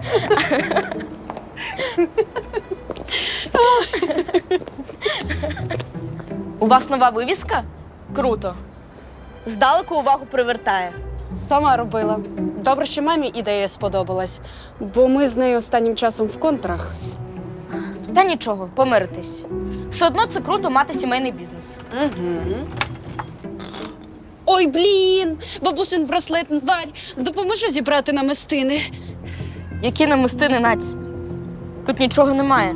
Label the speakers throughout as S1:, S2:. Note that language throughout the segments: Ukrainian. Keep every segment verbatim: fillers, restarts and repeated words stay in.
S1: У вас нова вивіска? Круто. Здалеку увагу привертає.
S2: Сама робила. Добре, що мамі ідея сподобалась, бо ми з нею останнім часом в контрах.
S1: Та нічого, помиритесь. Все одно це круто мати сімейний бізнес.
S2: Угу. Ой, блін! Бабусин браслет, Варь, допоможи зібрати намистини.
S1: Які намистини, Надь? Тут нічого немає.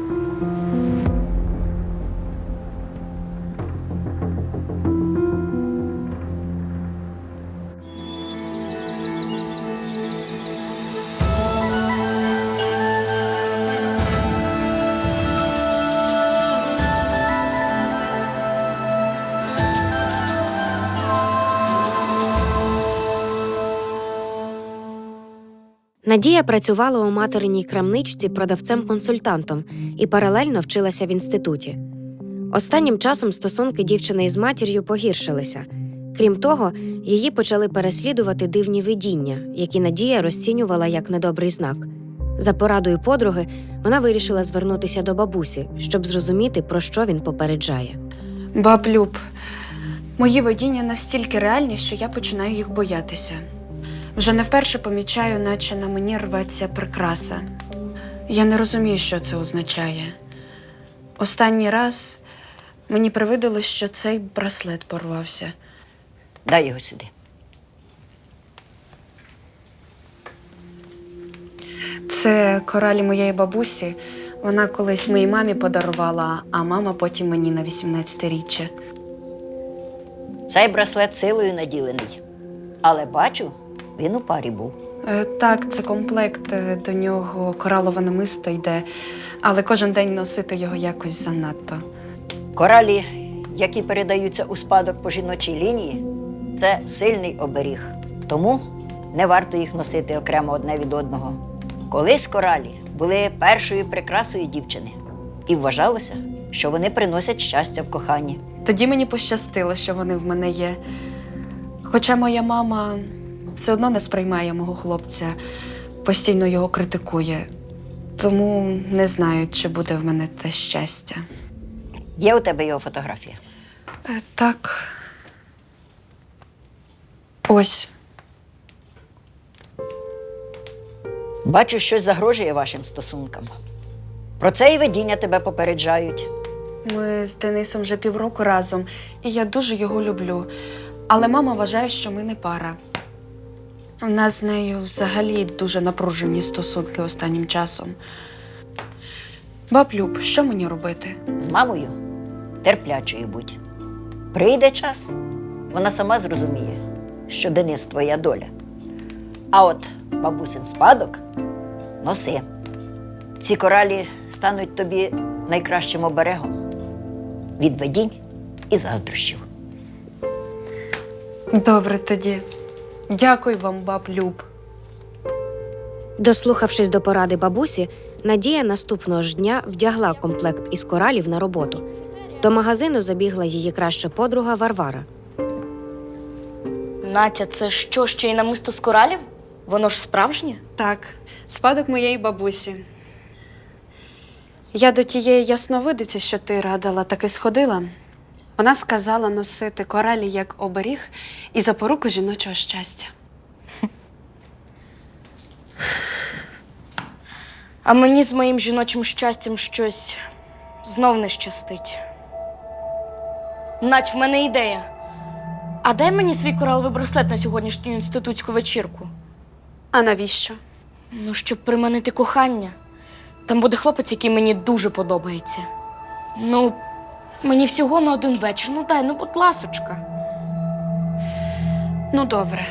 S3: Надія працювала у материній крамничці продавцем-консультантом і паралельно вчилася в інституті. Останнім часом стосунки дівчини із матір'ю погіршилися. Крім того, її почали переслідувати дивні видіння, які Надія розцінювала як недобрий знак. За порадою подруги вона вирішила звернутися до бабусі, щоб зрозуміти, про що він попереджає.
S2: Баб Люб, мої видіння настільки реальні, що я починаю їх боятися. Вже не вперше помічаю, наче на мені рветься прикраса. Я не розумію, що це означає. Останній раз мені привиділось, що цей браслет порвався.
S4: Дай його сюди.
S2: Це коралі моєї бабусі. Вона колись моїй мамі подарувала, а мама потім мені на вісімнадцятиріччя.
S4: Цей браслет силою наділений. Але бачу, він у парі був.
S2: Е, Так, це комплект, е, до нього коралове намисто йде, але кожен день носити його якось занадто.
S4: Коралі, які передаються у спадок по жіночій лінії, це сильний оберіг. Тому не варто їх носити окремо одне від одного. Колись коралі були першою прикрасою дівчини. І вважалося, що вони приносять щастя в коханні.
S2: Тоді мені пощастило, що вони в мене є. Хоча моя мама все одно не сприймає мого хлопця, постійно його критикує. Тому не знаю, чи буде в мене те щастя.
S4: Є у тебе його фотографія?
S2: Е, Так. Ось.
S4: Бачу, щось загрожує вашим стосункам. Про це і видіння тебе попереджають.
S2: Ми з Денисом вже півроку разом, і я дуже його люблю. Але мама вважає, що ми не пара. У нас з нею взагалі дуже напружені стосунки останнім часом. Баб Люб, що мені робити?
S4: З мамою терплячою будь. Прийде час, вона сама зрозуміє, що Денис твоя доля. А от бабусин спадок носи. Ці коралі стануть тобі найкращим оберегом від видінь і заздрощів.
S2: Добре тоді. Дякую вам, баб Люб.
S3: Дослухавшись до поради бабусі, Надія наступного ж дня вдягла комплект із коралів на роботу. До магазину забігла її краща подруга Варвара.
S1: Натя, це що, ще й намисто з коралів? Воно ж справжнє?
S2: Так, спадок моєї бабусі. Я до тієї ясновидиці, що ти радила, таки сходила. Вона сказала носити коралі як оберіг і запоруку жіночого щастя.
S1: А мені з моїм жіночим щастям щось знов не щастить. Надь, в мене ідея. А дай мені свій кораловий браслет на сьогоднішню інститутську вечірку.
S2: А навіщо?
S1: Ну, щоб приманити кохання. Там буде хлопець, який мені дуже подобається. Ну, мені всього на один вечір. Ну дай, ну будь ласочка.
S2: Ну, добре.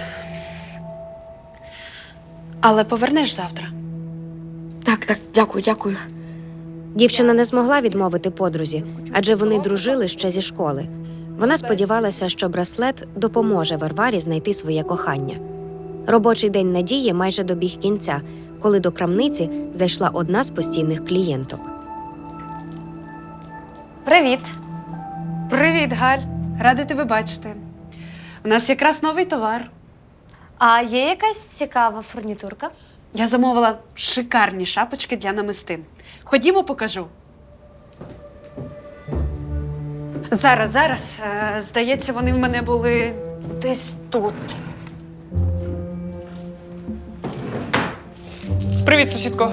S2: Але повернеш завтра.
S1: Так, так, дякую, дякую.
S3: Дівчина не змогла відмовити подрузі, адже вони дружили ще зі школи. Вона сподівалася, що браслет допоможе Варварі знайти своє кохання. Робочий день Надії майже добіг кінця, коли до крамниці зайшла одна з постійних клієнток.
S1: Привіт.
S2: Привіт, Галь. Рада тебе бачити. У нас якраз новий товар.
S5: А є якась цікава фурнітурка?
S2: Я замовила шикарні шапочки для намистин. Ходімо, покажу. Зараз, зараз. Е, здається, вони в мене були десь тут.
S5: Привіт, сусідко.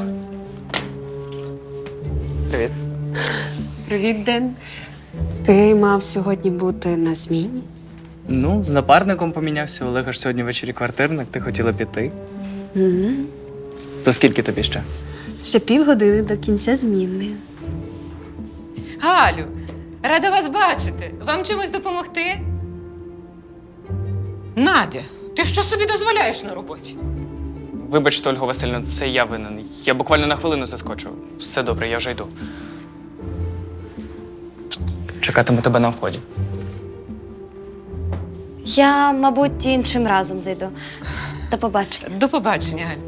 S5: Привіт.
S2: Привіт, Ден. Ти мав сьогодні бути на зміні?
S5: Ну, з напарником помінявся. Олега ж сьогодні ввечері квартирник, ти хотіла піти.
S2: Угу.
S5: То скільки тобі ще?
S2: Ще півгодини до кінця зміни.
S6: Галю, рада вас бачити. Вам чимось допомогти? Надя, ти що собі дозволяєш на роботі?
S5: Вибачте, Ольго Васильівна, це я винен. Я буквально на хвилину заскочив. Все добре, я вже йду. Чекатиму тебе на вході.
S7: Я, мабуть, іншим разом зайду. До побачення.
S6: До побачення, Галь.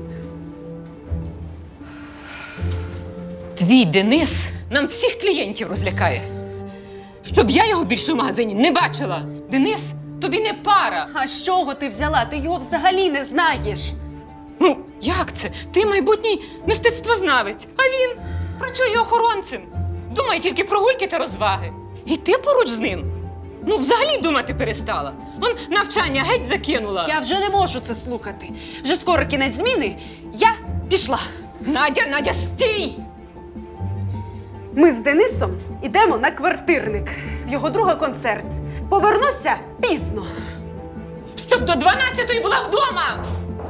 S6: Твій Денис нам всіх клієнтів розлякає. Щоб я його більше в магазині не бачила. Денис, тобі не пара.
S2: А з чого ти взяла? Ти його взагалі не знаєш.
S6: Ну, як це? Ти майбутній мистецтвознавець, а він працює охоронцем. Думає тільки про гульки та розваги. І ти поруч з ним? Ну, взагалі думати перестала. Он навчання геть закинула.
S2: Я вже не можу це слухати. Вже скоро кінець зміни. Я пішла.
S6: Надя, Надя, стій!
S2: Ми з Денисом ідемо на квартирник. В його друга концерт. Повернуся пізно.
S6: Щоб до дванадцятої була вдома!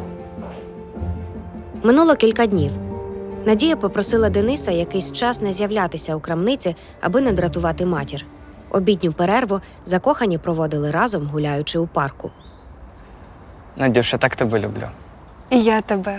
S3: Минуло кілька днів. Надія попросила Дениса якийсь час не з'являтися у крамниці, аби не дратувати матір. Обідню перерву закохані проводили разом, гуляючи у парку.
S5: Надюша, так тебе люблю.
S2: І я тебе.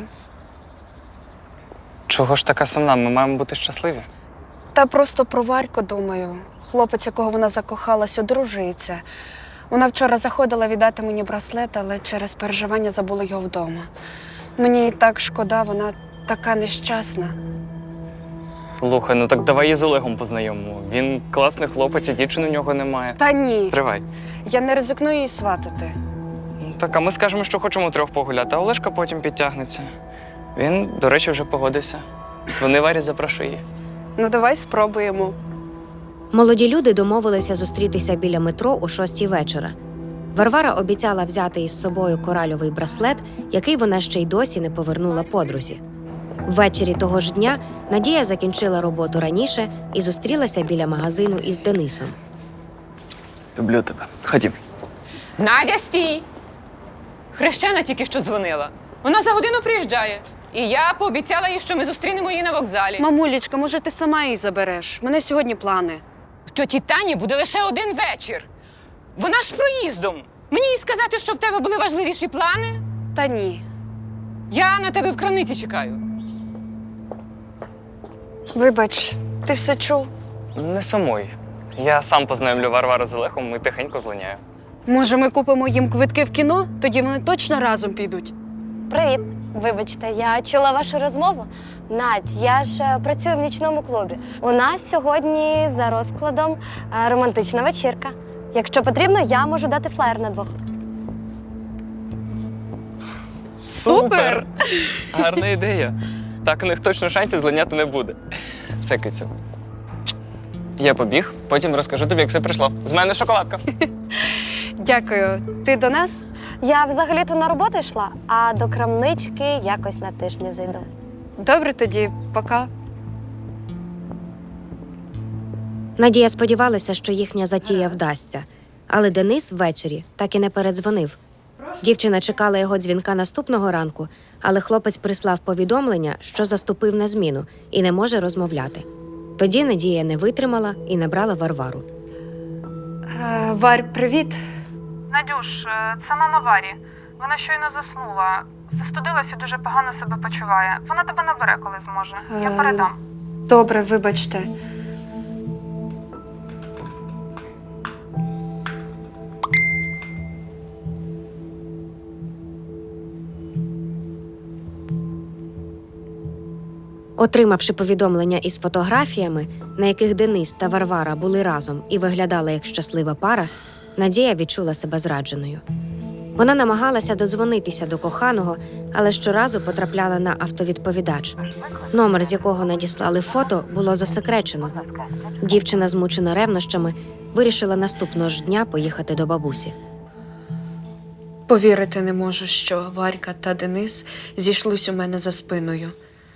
S5: Чого ж така сумна? Ми маємо бути щасливі.
S2: Та просто про Варьку думаю. Хлопець, якого вона закохалась, одружується. Вона вчора заходила віддати мені браслет, але через переживання забула його вдома. Мені і так шкода, вона така нещасна.
S5: Слухай, ну так давай її з Олегом познайомимо. Він класний хлопець, і дівчини у нього немає.
S2: Та ні,
S5: Стривай.
S2: я не ризикну її сватати.
S5: Ну, так, а ми скажемо, що хочемо трьох погуляти, а Олешка потім підтягнеться. Він, до речі, вже погодився. Дзвони Варі, запрошуй її.
S2: Ну давай спробуємо.
S3: Молоді люди домовилися зустрітися біля метро о шостій вечора. Варвара обіцяла взяти із собою коральовий браслет, який вона ще й досі не повернула подрузі. Ввечері того ж дня Надія закінчила роботу раніше і зустрілася біля магазину із Денисом.
S5: Люблю тебе. Ходім.
S6: Надя, стій! Хрещена тільки що дзвонила. Вона за годину приїжджає. І я пообіцяла їй, що ми зустрінемо її на вокзалі.
S2: Мамулечка, може ти сама її забереш? У мене сьогодні плани.
S6: В тьоті Тані буде лише один вечір. Вона ж проїздом. Мені їй сказати, що в тебе були важливіші плани?
S2: Та ні.
S6: Я на тебе в крамниці чекаю.
S2: Вибач, ти все чув?
S5: Не сумуй. Я сам познайомлю Варвару з Олегом і тихенько злиняю.
S2: Може, ми купимо їм квитки в кіно? Тоді вони точно разом підуть.
S7: Привіт. Вибачте, я чула вашу розмову. Надь, я ж е, працюю в нічному клубі. У нас сьогодні за розкладом е, романтична вечірка. Якщо потрібно, я можу дати флаєр на двох.
S2: Супер!
S5: Гарна ідея. Так у них точно шансів злиняти не буде. Все, кицю. Я побіг, потім розкажу тобі, як все прийшло. З мене шоколадка.
S2: Дякую. Ти до нас?
S7: Я взагалі-то на роботу йшла, а до крамнички якось на тиждень зайду.
S2: Добре тоді, пока.
S3: Надія сподівалася, що їхня затія вдасться. Але Денис ввечері так і не передзвонив. Дівчина чекала його дзвінка наступного ранку, але хлопець прислав повідомлення, що заступив на зміну і не може розмовляти. Тоді Надія не витримала і набрала Варвару.
S2: Е, Варь, привіт.
S8: Надюш, е, це мама Варі. Вона щойно заснула. Застудилась і дуже погано себе почуває. Вона тебе набере, коли зможе. Я
S2: Е,
S8: передам.
S2: Добре, вибачте.
S3: Отримавши повідомлення із фотографіями, на яких Денис та Варвара були разом і виглядали як щаслива пара, Надія відчула себе зрадженою. Вона намагалася додзвонитися до коханого, але щоразу потрапляла на автовідповідач. Номер, з якого надіслали фото, було засекречено. Дівчина, змучена ревнощами, вирішила наступного ж дня поїхати до бабусі.
S2: Повірити не можу, що Варька та Денис зійшлись у мене за спиною.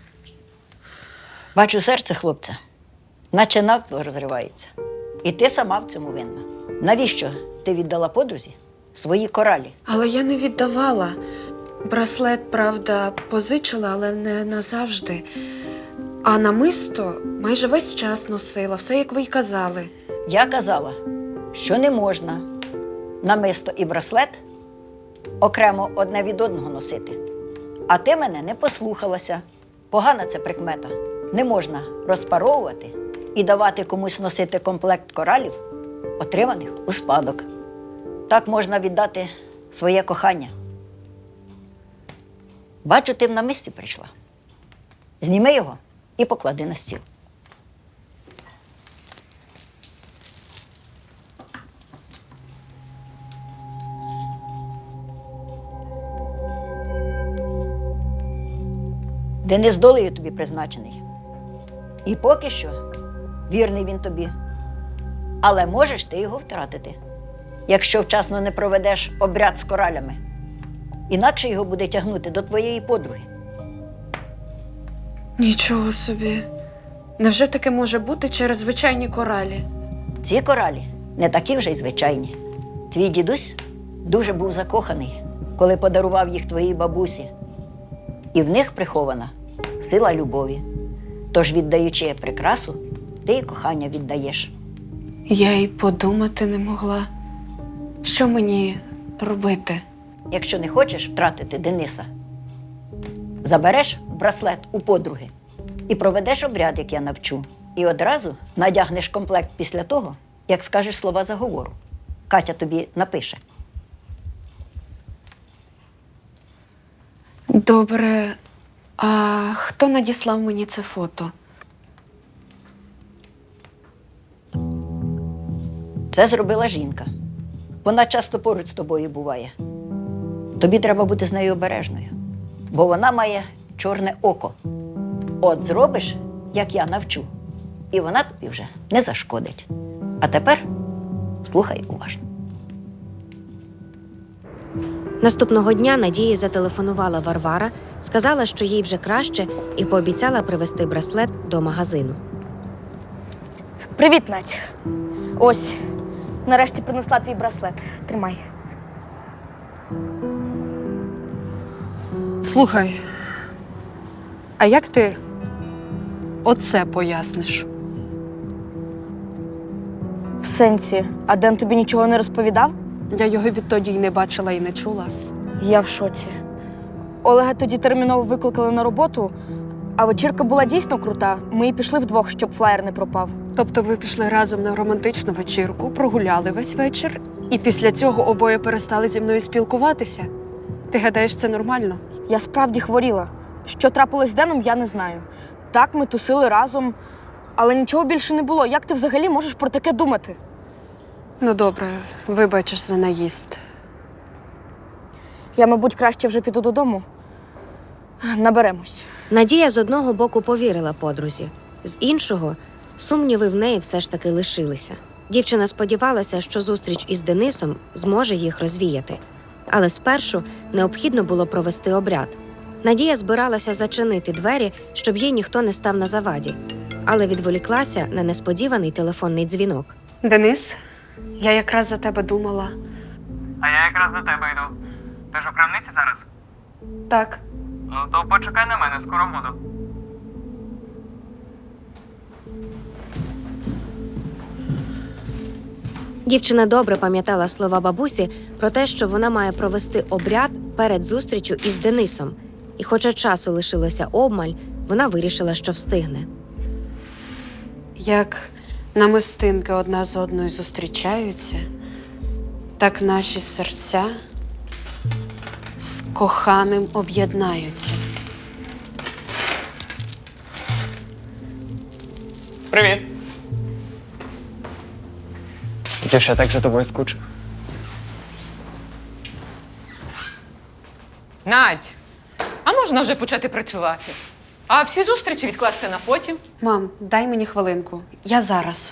S4: Бачу серце хлопця, наче навпіл розривається. І ти сама в цьому винна. Навіщо ти віддала подрузі свої коралі?
S2: Але я не віддавала. Браслет, правда, позичила, але не назавжди. А намисто майже весь час носила, все як ви й казали.
S4: Я казала, що не можна намисто і браслет окремо одне від одного носити. А ти мене не послухалася. Погана це прикмета. Не можна розпаровувати і давати комусь носити комплект коралів, отриманих у спадок. Так можна віддати своє кохання. Бачу, ти в намисті прийшла. Зніми його і поклади на стіл. Денис долею тобі призначений. І поки що вірний він тобі. Але можеш ти його втратити, якщо вчасно не проведеш обряд з коралями. Інакше його буде тягнути до твоєї подруги.
S2: Нічого собі. Невже таке може бути через звичайні коралі?
S4: Ці коралі не такі вже й звичайні. Твій дідусь дуже був закоханий, коли подарував їх твоїй бабусі. І в них прихована сила любові. Тож, віддаючи прикрасу, ти і кохання віддаєш.
S2: Я й подумати не могла. Що мені робити?
S4: Якщо не хочеш втратити Дениса, забереш браслет у подруги і проведеш обряд, як я навчу. І одразу надягнеш комплект після того, як скажеш слова заговору. Катя тобі напише.
S2: Добре, а хто надіслав мені це фото?
S4: Це зробила жінка. Вона часто поруч з тобою буває. Тобі треба бути з нею обережною, бо вона має чорне око. От зробиш, як я навчу, і вона тобі вже не зашкодить. А тепер слухай уважно.
S3: Наступного дня Надії зателефонувала Варвара, сказала, що їй вже краще, і пообіцяла привезти браслет до магазину.
S1: Привіт, Надь. Ось, нарешті принесла твій браслет. Тримай.
S2: Слухай, а як ти оце поясниш?
S1: В сенсі, а Ден тобі нічого не розповідав?
S2: Я його відтоді й не бачила і не чула.
S1: Я в шоці. Олега тоді терміново викликали на роботу, а вечірка була дійсно крута. Ми і пішли вдвох, щоб флаєр не пропав.
S2: Тобто ви пішли разом на романтичну вечірку, прогуляли весь вечір, і після цього обоє перестали зі мною спілкуватися? Ти гадаєш, це нормально?
S1: Я справді хворіла. Що трапилось з Деном, я не знаю. Так, ми тусили разом, але нічого більше не було. Як ти взагалі можеш про таке думати?
S2: Ну добре, вибачиш за наїзд.
S1: Я, мабуть, краще вже піду додому. Наберемось.
S3: Надія з одного боку повірила подрузі, з іншого – сумніви в неї все ж таки лишилися. Дівчина сподівалася, що зустріч із Денисом зможе їх розвіяти. Але спершу необхідно було провести обряд. Надія збиралася зачинити двері, щоб їй ніхто не став на заваді, але відволіклася на несподіваний телефонний дзвінок.
S2: Денис, я якраз за тебе думала.
S5: А я якраз до тебе йду. Ти ж у крамниці зараз?
S2: Так.
S5: Ну, то почекай на мене, скоро буду.
S3: Дівчина добре пам'ятала слова бабусі про те, що вона має провести обряд перед зустрічю із Денисом. І хоча часу лишилося обмаль, вона вирішила, що встигне.
S2: Як намистинки одна з одною зустрічаються, так наші серця з коханим об'єднаються.
S5: Привіт. Дівча, я так за тобою скучив.
S6: Надь, а можна вже почати працювати? А всі зустрічі відкласти на потім?
S2: Мам, дай мені хвилинку. Я зараз.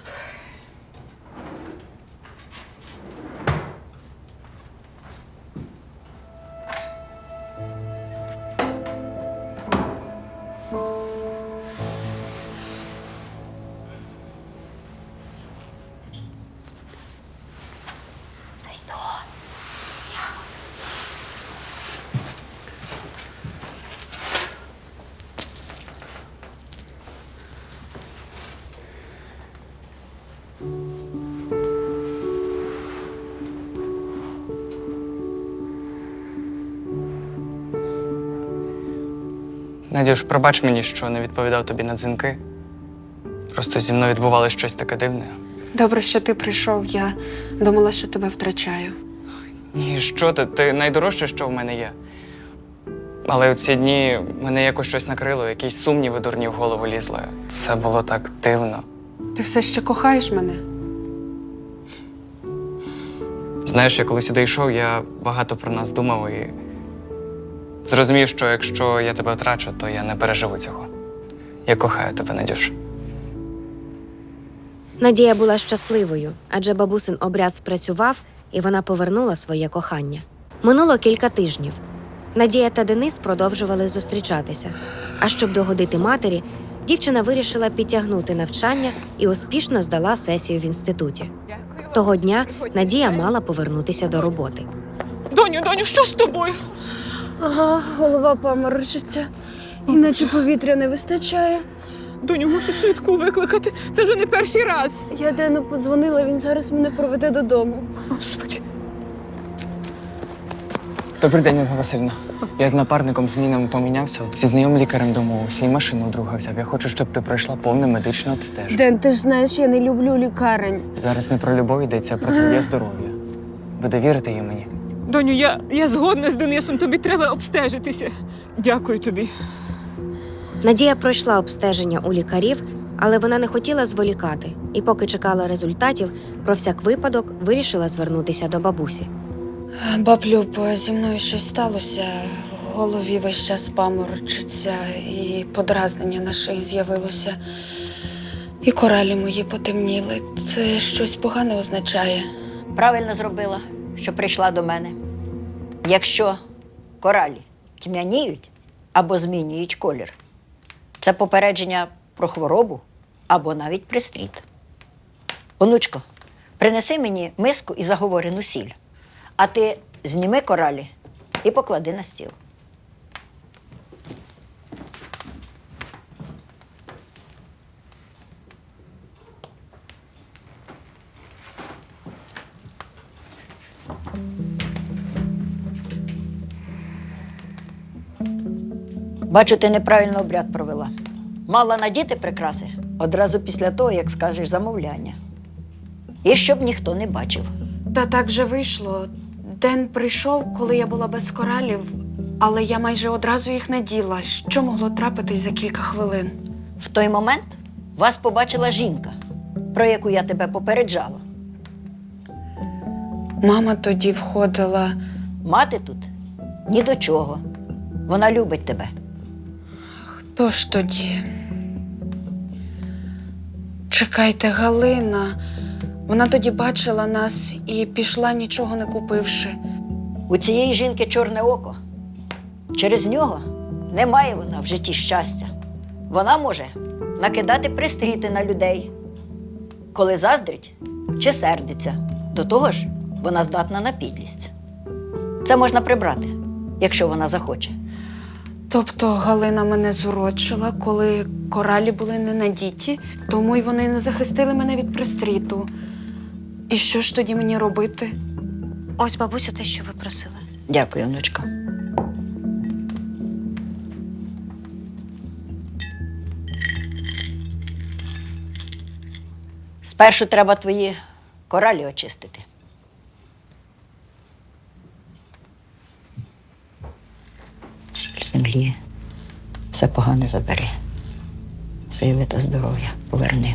S5: Надюш, пробач мені, що не відповідав тобі на дзвінки. Просто зі мною відбувалося щось таке дивне.
S2: Добре, що ти прийшов. Я думала, що тебе втрачаю.
S5: Ні, що ти? Ти найдорожче, що в мене є. Але у ці дні мене якось щось накрило, якісь сумніви дурні в голову лізли. Це було так дивно.
S2: Ти все ще кохаєш мене?
S5: Знаєш, я коли сюди йшов, я багато про нас думав і зрозумів, що якщо я тебе втрачу, то я не переживу цього. Я кохаю тебе, Надюш.
S3: Надія була щасливою, адже бабусин обряд спрацював, і вона повернула своє кохання. Минуло кілька тижнів. Надія та Денис продовжували зустрічатися. А щоб догодити матері, дівчина вирішила підтягнути навчання і успішно здала сесію в інституті.
S6: Дякую.
S3: Того дня Надія мала повернутися до роботи.
S6: Доню, доню, що з тобою?
S9: Ага, голова паморочиться. Іначе повітря не вистачає.
S6: Доню, мушу швидку викликати. Це вже не перший раз.
S9: Я Дену подзвонила, він зараз мене проведе додому.
S6: Господи.
S5: Добрий день, Ольга Васильівна. Я з напарником змінами помінявся, зі знайомим лікарем домовився і машину у друга взяв. Я хочу, щоб ти пройшла повне медичне обстеження.
S9: Ден, ти ж знаєш, я не люблю лікарень.
S5: Зараз не про любов йдеться, а про твоє здоров'я. Ви довірите її мені?
S6: Доню, я, я згодна з Денисом, тобі треба обстежитися. Дякую тобі.
S3: Надія пройшла обстеження у лікарів, але вона не хотіла зволікати і, поки чекала результатів, про всяк випадок вирішила звернутися до бабусі.
S2: Баб Люб, зі мною щось сталося. В голові весь час паморочиться, і подразнення на шиї з'явилося. І коралі мої потемніли. Це щось погане означає.
S4: Правильно зробила, що прийшла до мене. Якщо коралі тьмяніють або змінюють колір, це попередження про хворобу або навіть пристріт. Онучко, принеси мені миску і заговорену сіль, а ти зніми коралі і поклади на стіл. Бачу, ти неправильно обряд провела. Мала надіти прикраси одразу після того, як скажеш замовляння. І щоб ніхто не бачив.
S2: Та так вже вийшло. Ден прийшов, коли я була без коралів, але я майже одразу їх наділа. Що могло трапитись за кілька хвилин?
S4: В той момент вас побачила жінка, про яку я тебе попереджала.
S2: Мама тоді входила.
S4: Мати тут ні до чого. Вона любить тебе.
S2: Хто ж тоді? Чекайте, Галина. Вона тоді бачила нас і пішла, нічого не купивши.
S4: У цієї жінки чорне око. Через нього немає вона в житті щастя. Вона може накидати пристріти на людей, коли заздрить чи сердиться. До того ж, вона здатна на підлість. Це можна прибрати, якщо вона захоче.
S2: Тобто Галина мене зурочила, коли коралі були не надіті, тому й вони не захистили мене від пристріту. І що ж тоді мені робити?
S3: Ось, бабусю, те, що ви просили.
S4: Дякую, онучко. Спершу треба твої коралі очистити. Сіль землі все погане забери. Сили та здоров'я поверни.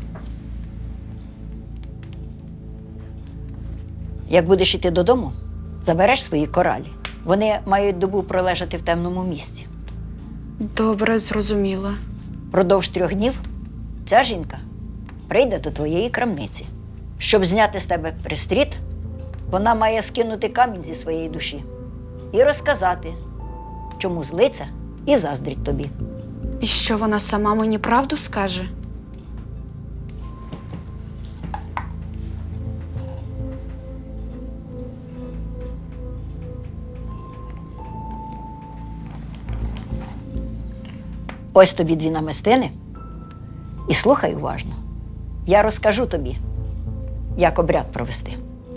S4: Як будеш йти додому, Забереш свої коралі. Вони мають добу пролежати в темному місці.
S2: Добре, зрозуміла.
S4: Продовж трьох днів ця жінка прийде до твоєї крамниці. Щоб зняти з тебе пристріт, вона має скинути камінь зі своєї душі і розказати, чому злиться і заздрить тобі.
S2: І що вона сама мені правду скаже?
S4: Ось тобі дві намистини. І слухай уважно. Я розкажу тобі, як обряд провести.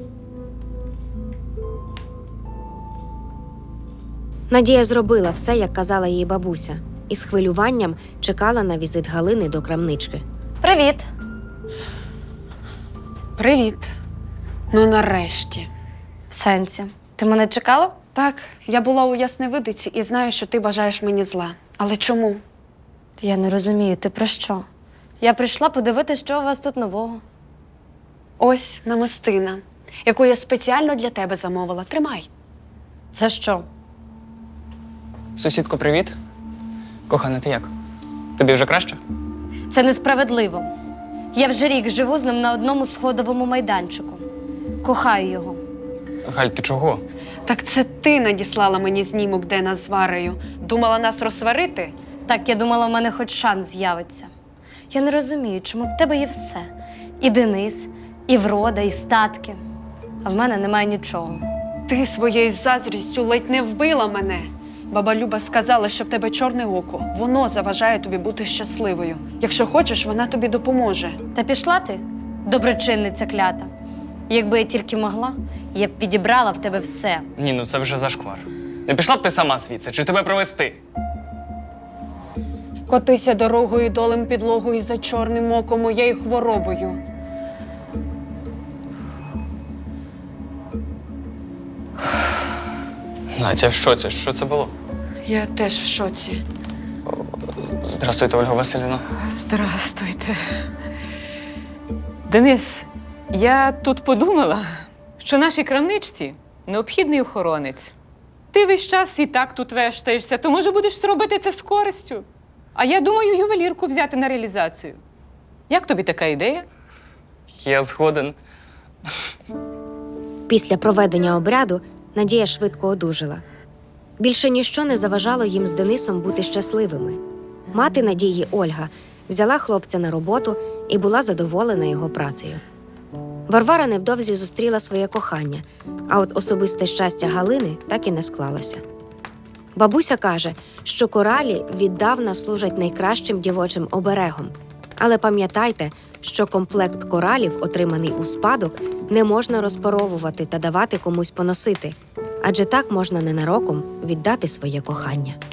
S3: Надія зробила все, як казала їй бабуся, і з хвилюванням чекала на візит Галини до крамнички.
S7: Привіт!
S2: Привіт. Ну, нарешті.
S7: В сенсі. Ти мене чекала?
S2: Так, я була у Ясневидиці і знаю, що ти бажаєш мені зла. Але чому?
S7: Я не розумію, ти про що? Я прийшла подивитися, що у вас тут нового.
S2: Ось намистина, яку я спеціально для тебе замовила. Тримай.
S7: Це що?
S5: Сусідко, привіт. Кохана, ти як? Тобі вже краще?
S7: Це несправедливо. Я вже рік живу з ним на одному сходовому майданчику. Кохаю його.
S5: Галь, ти чого?
S2: Так це ти надіслала мені знімок Дена з Варою. Думала нас розсварити?
S7: Так, я думала, в мене хоч шанс з'явиться. Я не розумію, чому в тебе є все. І Денис, і врода, і статки. А в мене немає нічого.
S2: Ти своєю заздрістю ледь не вбила мене. Баба Люба сказала, що в тебе чорне око. Воно заважає тобі бути щасливою. Якщо хочеш, вона тобі допоможе.
S7: Та пішла ти, доброчинниця клята. Якби я тільки могла, я б підібрала в тебе все.
S5: Ні, ну це вже зашквар. Не пішла б ти сама звідси, чи тебе провести?
S2: Котися дорогою долем підлогою за чорним оком моєю хворобою.
S5: Надя, в шоці? Що це було?
S2: Я теж в шоці.
S5: Здравствуйте, Ольга Василівна.
S6: Здрастуйте. Денис, я тут подумала, що нашій крамничці необхідний охоронець. Ти весь час і так тут вештаєшся, то, може, будеш робити це з користю. А я думаю, ювелірку взяти на реалізацію. Як тобі така ідея?
S5: Я згоден.
S3: Після проведення обряду Надія швидко одужала. Більше ніщо не заважало їм з Денисом бути щасливими. Мати Надії Ольга взяла хлопця на роботу і була задоволена його працею. Варвара невдовзі зустріла своє кохання, а от особисте щастя Галини так і не склалося. Бабуся каже, що коралі віддавна служать найкращим дівочим оберегом. Але пам'ятайте, що комплект коралів, отриманий у спадок, не можна розпаровувати та давати комусь поносити, адже так можна ненароком віддати своє кохання.